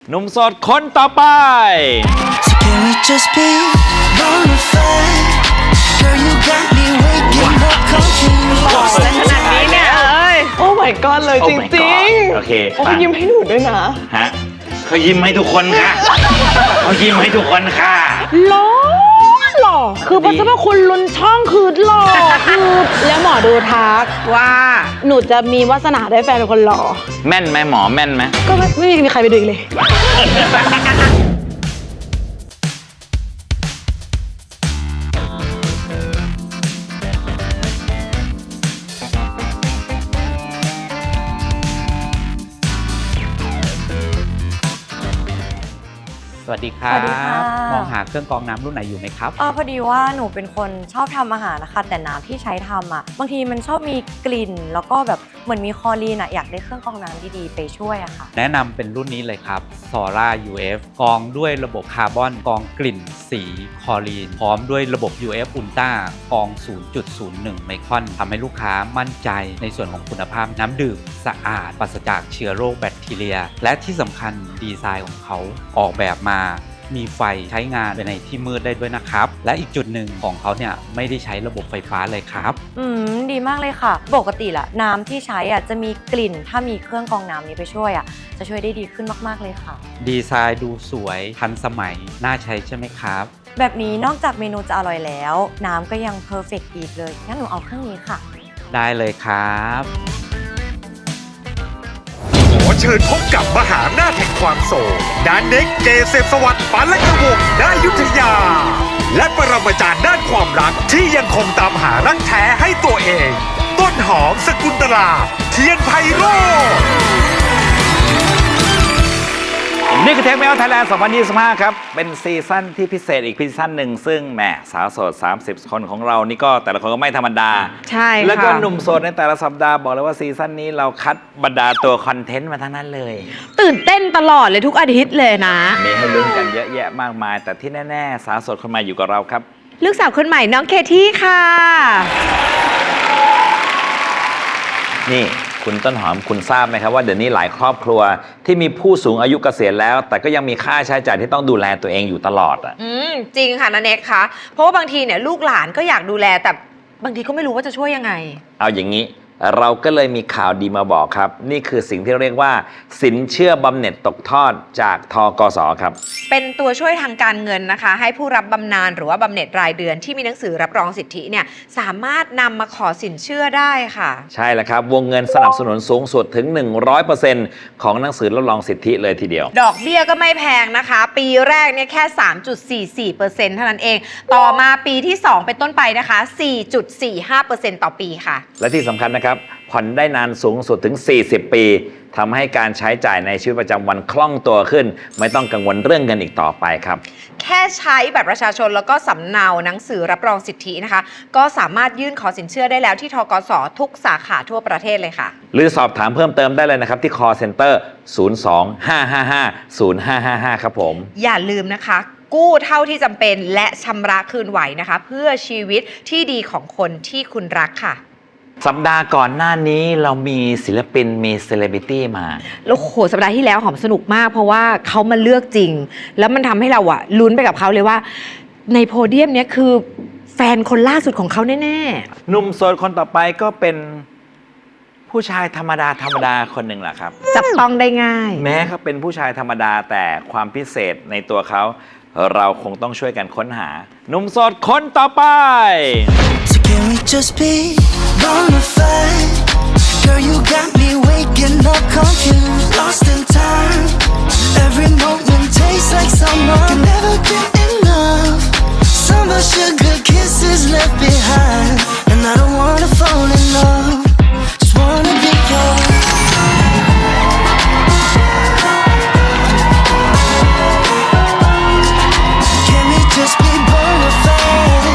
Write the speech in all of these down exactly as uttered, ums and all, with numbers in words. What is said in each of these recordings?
หนุ่มโสดคนต่อไป So can we just be bonafide? Girl, you got me waking up confused. ขนาดนี้เนี่ยเอ้ยโอ้ my god เลยจริงๆโอเคโอ้เขายิ้มให้หนูด้วยนะฮะเขายิ้มให้ทุกคนค่ะเขายิ้มให้ทุกคนค่ะหล่อหล่อคือพระเจ้าคุณลุนช่องคือหล่อคือแล้วหมอดูทักว่าหนูจะมีวาสนาได้แฟนเป็นคนหล่อแม่นไหมหมอแม่นไหมก็ไม่ไม่มีใครไปดูอีกเลยสวัสดีครับสวัสดีค่ะมองหาเครื่องกรองน้ำรุ่นไหนอยู่ไหมครับอ๋อพอดีว่าหนูเป็นคนชอบทำอาหารนะคะแต่น้ำที่ใช้ทำอ่ะบางทีมันชอบมีกลิ่นแล้วก็แบบเหมือนมีคลอรีนอ่ะอยากได้เครื่องกรองน้ำดีๆไปช่วยอะค่ะแนะนำเป็นรุ่นนี้เลยครับ Sora ยู เอฟ กรองด้วยระบบคาร์บอนกรองกลิ่นสีคลอรีนพร้อมด้วยระบบ ยู เอฟ Ultra กรอง ศูนย์จุดศูนย์หนึ่ง ไมครอนทำให้ลูกค้ามั่นใจในส่วนของคุณภาพน้ำดื่มสะอาดปราศจากเชื้อโรคแบคทีเรีย และที่สำคัญดีไซน์ของเขาออกแบบมามีไฟใช้งานในที่มืดได้ด้วยนะครับและอีกจุดหนึ่งของเขาเนี่ยไม่ได้ใช้ระบบไฟฟ้าเลยครับอืมดีมากเลยค่ะปกติละน้ำที่ใช้อ่ะจะมีกลิ่นถ้ามีเครื่องกรองน้ำนี้ไปช่วยอ่ะจะช่วยได้ดีขึ้นมากๆเลยค่ะดีไซน์ดูสวยทันสมัยน่าใช้ใช่ไหมครับแบบนี้นอกจากเมนูจะอร่อยแล้วน้ำก็ยังเพอร์เฟกต์อีกเลยงั้นหนูเอาเครื่องนี้ค่ะได้เลยครับขอเชิญพบกับมหาอำนาจแห่งความโศกดานเน็กเกษมสวัสดิ์ปานและกระวงณอยุธยา และปรมาจารย์ด้านความรักที่ยังคงตามหารักแท้ให้ตัวเอง ต้นหอมสกุลตลาเทียนไพโรจน์นี่คือเทคเมลไทยแลนด์ สองพันยี่สิบห้า ครับ เป็นซีซั่นที่พิเศษอีกซีซั่นหนึ่งซึ่งแหมสาวโสด สามสิบ คนของเรานี่ก็แต่ละคนก็ไม่ธรรมดาใช่ค่ะแล้วก็หนุ่มโสดในแต่ละสัปดาห์บอกเลยว่าซีซั่นนี้เราคัดบรรดาตัวคอนเทนต์มาทั้งนั้นเลยตื่นเต้นตลอดเลยทุกอาทิตย์เลยนะมีให้ลุ้นกันเยอะแยะมากมาย แต่ที่แน่ๆสาวโสดคนใหม่อยู่กับเราครับลูกสาวคนใหม่น้องเคที่ค่ะนี่คุณต้นหอมคุณทราบไหมครับว่าเดี๋ยวนี้หลายครอบครัวที่มีผู้สูงอายุเกษียณแล้ว แต่ก็ยังมีค่าใช้จ่ายที่ต้องดูแลตัวเองอยู่ตลอดอ่ะอืมจริงค่ะนะเน็กคะเพราะว่าบางทีเนี่ยลูกหลานก็อยากดูแลแต่บางทีก็ไม่รู้ว่าจะช่วยยังไงเอาอย่างนี้เราก็เลยมีข่าวดีมาบอกครับ นี่คือสิ่งที่เรียกว่าสินเชื่อบำเหน็จตกทอดจากทกส.ครับเป็นตัวช่วยทางการเงินนะคะให้ผู้รับบำนาญหรือว่าบำเหน็จรายเดือนที่มีหนังสือรับรองสิทธิเนี่ยสามารถนำมาขอสินเชื่อได้ค่ะใช่แล้วครับวงเงินสนับสนุนสูงสุดถึง หนึ่งร้อยเปอร์เซ็นต์ ของหนังสือรับรองสิทธิเลยทีเดียวดอกเบี้ยก็ไม่แพงนะคะ ปีแรกเนี่ยแค่ สามจุดสี่สี่เปอร์เซ็นต์ เท่านั้นเองต่อมาปีที่สองเป็นต้นไปนะคะ สี่จุดสี่ห้าเปอร์เซ็นต์ ต่อปีค่ะและที่สำคัญนะครับผ่อนได้นานสูงสุดถึงสี่สิบปีทำให้การใช้จ่ายในชีวิตประจำวันคล่องตัวขึ้นไม่ต้องกังวลเรื่องเงินอีกต่อไปครับแค่ใช้บัตรประชาชนแล้วก็สำเนาหนังสือรับรองสิทธินะคะก็สามารถยื่นขอสินเชื่อได้แล้วที่ธกสทุกสาขาทั่วประเทศเลยค่ะหรือสอบถามเพิ่มเติมได้เลยนะครับที่ call center ศูนย์ สอง ห้า ห้า ห้า ศูนย์ ห้า ห้า ห้า ครับผมอย่าลืมนะคะกู้เท่าที่จำเป็นและชำระคืนไหวนะคะเพื่อชีวิตที่ดีของคนที่คุณรักค่ะสัปดาห์ก่อนหน้านี้เรามีศิลปินมีเซเลบริตี้มาแล้วโหสัปดาห์ที่แล้วหอมสนุกมากเพราะว่าเขามาเลือกจริงแล้วมันทำให้เราอะลุ้นไปกับเขาเลยว่าในโพเดียมเนี้ยคือแฟนคนล่าสุดของเขาแน่ๆหนุ่มโสดคนต่อไปก็เป็นผู้ชายธรรมดาธรรมดาคนหนึ่งแหละครับจับต้องได้ง่ายแม้เขาเป็นผู้ชายธรรมดาแต่ความพิเศษในตัวเขาเราคงต้องช่วยกันค้นหาหนุ่มโสดคนต่อไป So can we just be bonafide? Girl, you got me waking up confused, lost in time. Every moment tastes like summer. Can never get enough. Summer sugar kisses left behind, and I don't wanna fall in love. Just wanna be yours. Can we just be bonafide?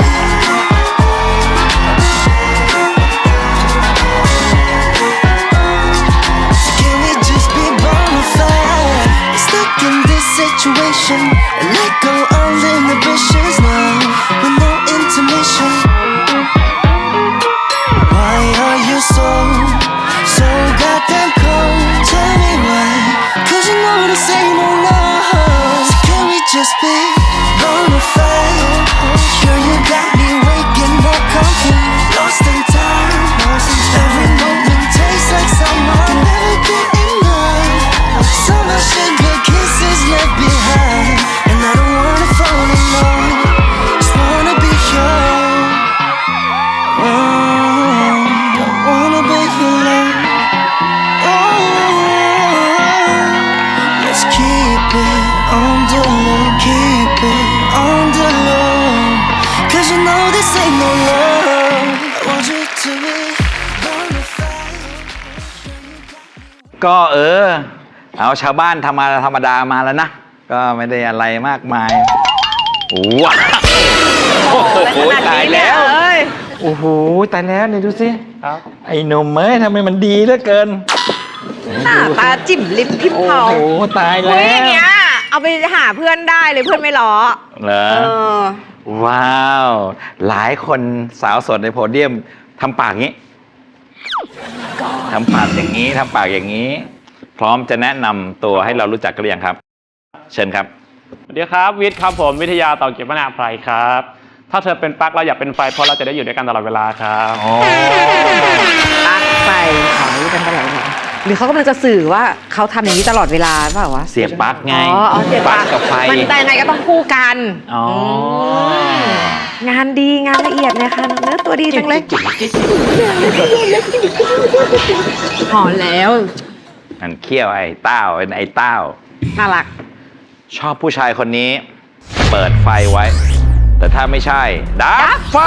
Can we just be bonafide? Stuck in this situation and let go all inhibitions now with no intermission. Why are you so, so goddamn cold? Tell me why, 'cause you know this ain't no love. just be bonafide. Girl, you got me waking up confused, lost in time. Every moment tastes like summer, never get enough. So much sugar kisses left behind, and I don't wanna fall in love, just wanna be yours. Mm, don't wanna break your love. Oh, let's keep it on the low, keep it on the low. Cause you know this ain't no love. I want you to be bonafide. ก็เออ เอาชาวบ้านธรรมดาธรรมดามาแล้วนะ ก็ไม่ได้อะไรมากมายว้าวโอ้โหตายแล้ว โอ้โหตายแล้วนี่ดูสิครับไอ้หนุ่มเอ้ยทำไมมันดีเหลือเกินหน้าตาจิ่มลิ้มพิมพ์โอ้เผาโหตายเฮ้แล้ยอย่างวเงี้ยเอาไปหาเพื่อนได้เลยเพื่อนไม่ล้อเหรอเออว้าว หลายคนสาวสดในโพเดียมทำปากงี้ทำปากอย่างนี้ทำปากอย่างนี้ พร้อมจะแนะนำตัวให้เรารู้จักกันหรือยังครับ เชิญครับสวัสดีครับวิทย์ครับผมวิทยาต่อเกียรติวนาไพรครับ ถ้าเธอเป็นปลั๊กเราอยากเป็นไฟเพราะเราจะได้อยู่ด้วยกันตลอดเวลาครับปักไปขออยู่กันตลอดเวลาหรือเขากำลังจะสื่อว่าเขาทำอย่างนี้ตลอดเวลาเปล่าวะเสียบปลั๊กไงอ๋ออ๋อเสียบปลั๊กกับไฟมันแต่ยังไงก็ต้องคู่กันอ๋องานดีงานละเอียดนะคะเนื้อตัวดีจังเลยหอมแล้วมันเขี้ยวไอ้เต้าเป็นไอ้เต้าน่ารักชอบผู้ชายคนนี้ เปิดไฟไว้ แต่ถ้าไม่ใช่ ดับไฟ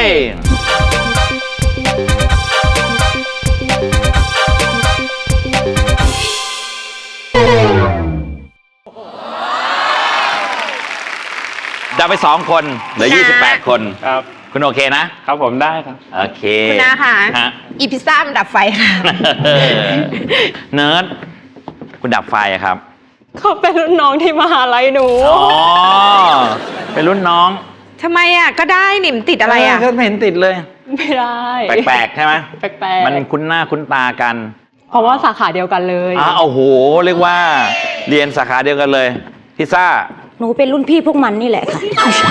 ดับไปสองคนเหลือยี่สิบแปดคนครับคุณโอเคนะครับผมได้ครับโอเคคุณนาค่ะฮะอีพิซซ่ามันดับไฟค่ะเนิร์ดคุณดับไฟอะครับเขาเป็นรุ่นน้องที่มหาลัยหนูอ๋อ เป็นรุ่นน้องทำไมอ่ะก็ได้นี่มันติดอะไรอ่ะเก็ไม่เห็นติดเลยไม่ได้แปลกๆใช่ไหมแปลกๆมันคุ้นหน้าคุ้นตากันเพราะว่าสาขาเดียวกันเลยอ้าวโอ้โห เรียกว่า เรียนสาขาเดียวกันเลยพิซซ่าหนูเป็นรุ่นพี่พวกมันนี่แหละค่ะ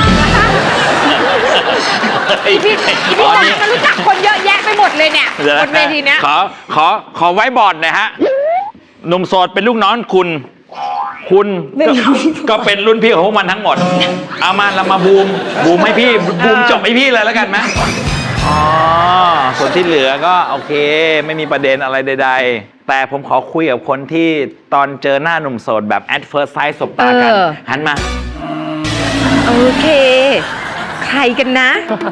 อีพิอีพิซซ่ามันรู้จักคนเยอะแยะไปหมดเลยเนี่ยดี๋ยบนเวทีเนี้ยขอ ขอ ขอไว้บอร์ดหน่อยฮะ หนุ่มโสดเป็นลูกน้องคุณ คุณก็ก็เป็นรุ่นพี่ของพวกมันทั้งหมด เอามาเรามาบูม บูมให้พี่ บูมจบให้พี่เลยแล้วกันไหมอ๋อ ส่วนที่เหลือก็โอเค ไม่มีประเด็นอะไรใดๆ แต่ผมขอคุยกับคนที่ตอนเจอหน้าหนุ่มโสดแบบ at first sight สบตากันเออหันมาโอเค ใครกันนะ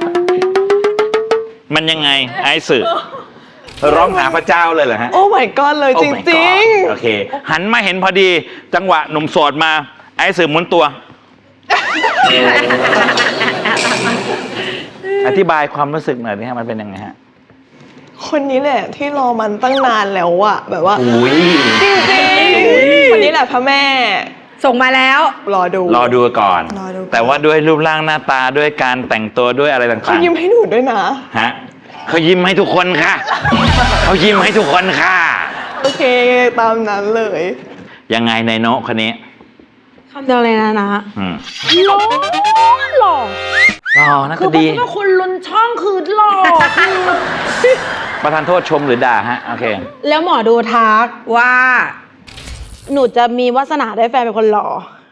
มันยังไงไอ้สื่อร้องหาพระเจ้าเลยเหรอฮะโอ้ my god เลย Oh จ my ริง God โอเค หันมาเห็นพอดี จังหวะหนุ่มโสดมา ไอ้สื่อหมุนตัว อธิบายความรู้สึกหน่อยดิฮะมันเป็นยังไงฮะคนนี้แหละที่รอมันตั้งนานแล้วอะแบบว่าอุ้ยจริงๆคนนี้แหละพระแม่ส่งมาแล้วรอดูรอดูก่อนรอดูก่อนแต่ว่าด้วยรูปร่างหน้าตาด้วยการแต่งตัวด้วยอะไรต่างๆเขายิ้มให้หนูด้วยนะฮะเขายิ้มให้ทุกคนค่ะ เขายิ้มให้ทุกคนค่ะโอเคตามนั้นเลยยังไงในโนะคนนี้คำเดียวเลยนะนะอืมหล่อหล่อรอนะก็ดีว่าคุณลุนช่องคือหล่อประธานโทษชมหรือด่าฮะ โอเคแล้วหมอดูทักว่าหนูจะมีวาสนาได้แฟนเป็นคนหล่อ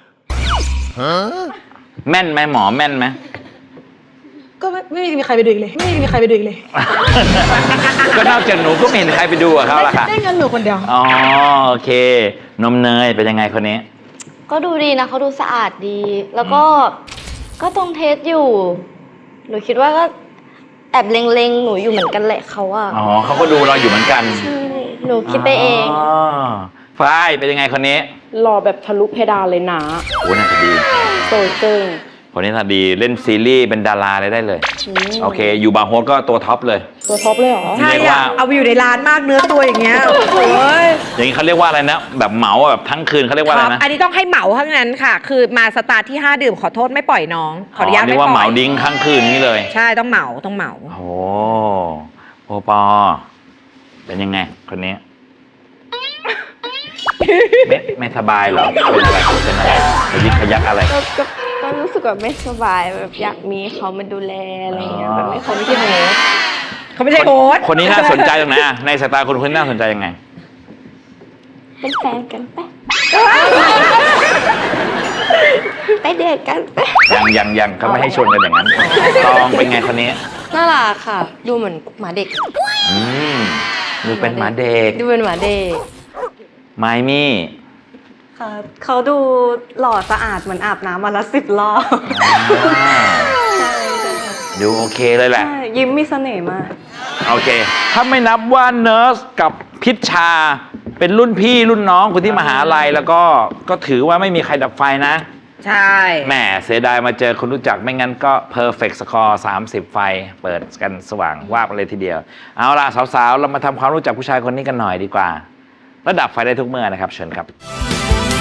แม่นไหมหมอแม่นไหมก็ไม่ไม่มีใครไปดูอีกเลย ไม่มีใครไปดูอีกเลยก็นอกจากหนูก็ไม่เห็นใครไปดูกับเขาละค่ะได้เงินหนูคนเดียวอ๋อโอเค นมเนยเป็นยังไงคนนี้ก็ดูดีนะเขาดูสะอาดดี แล้วก็ก็ตรงเทสอยู่ หนูคิดว่าก็แอบเล็งๆหนูอยู่เหมือนกันแหละเขาอะอ๋อเขาก็ดูเราอยู่เหมือนกันใช่หนูคิดไปเองอ๋อฝ้ายเป็นยังไงคนนี้หล่อแบบทะลุเพดานเลยนะโอ้น่าจะดีโซเซิงคนนี้น่าดีเล่นซีรีส์เป็นดาราเลยได้เลย โอเค อยู่บาร์โฮสก็ตัวท็อปเลยตัวท็อปเลยเหรอใช่เรียกว่าอ่ะ เอาไปอยู่ในร้านมากเนื้อตัวอย่างเงี้ยโอ้ยอย่างนี้เขาเรียกว่าอะไรนะ แบบเหมาแบบทั้งคืนเขาเรียกว่าอะไรนะอันนี้ต้องให้เหมาเท่านั้นค่ะ คือมาสตาร์ทที่ห้าดื่มขอโทษไม่ปล่อยน้อง ขออนุญาตเรีไม่ยกว่าปเหล่มาอยดิ้งทั้งคืนนี้เลยใช่ต้องเหมาต้องเหมาโอ้โอปอ เป็นยังไงคนนี้ไม่ไม่สบายเหรอเป็นอะไรเป็นอะไรขยิกขยักอะไรก็ก็ก็รู้สึกแบบไม่สบายแบบอยากมีเขามาดูแลอะไรอย่างเงี้ยแบบไม่เขาไม่ใช่โฮสเขาไม่ใช่โฮสต์คนนี้น่าสนใจตรงไหนอะในสายตาคนคนนี้น่าสนใจยังไงเป็นแฟนกันปะไปเดทกันปะยังยังยังเขาไม่ให้ชวนกันอย่างนั้นตองเป็นไงคนนี้น่ารักค่ะ ดูเหมือนหมาเด็กอืมดูเป็นหมาเด็กดูเป็นหมาเด็กไมมี่ค่ะเขาดูหล่อสะอาดเหมือนอาบน้ำมาละสิบรอบอ่าดูโอเคเลยแหละใช่ยิ้มมีเสน่ห์มากโอเค ถ้าไม่นับว่าเนิร์สกับพิชชา เป็นรุ่นพี่รุ่นน้องคนที่มหาลัยแล้วก็ก็ถือว่าไม่มีใครดับไฟนะใช่แหมเสียดายมาเจอคนรู้จักไม่งั้นก็ perfect score สามสิบไฟ เปิดกันสว่างวาบเลยทีเดียว เอาล่ะสาวๆ เรามาทำความรู้จักผู้ชายคนนี้กันหน่อยดีกว่า ระดับไฟได้ทุกเมื่อนะครับ เชิญครับ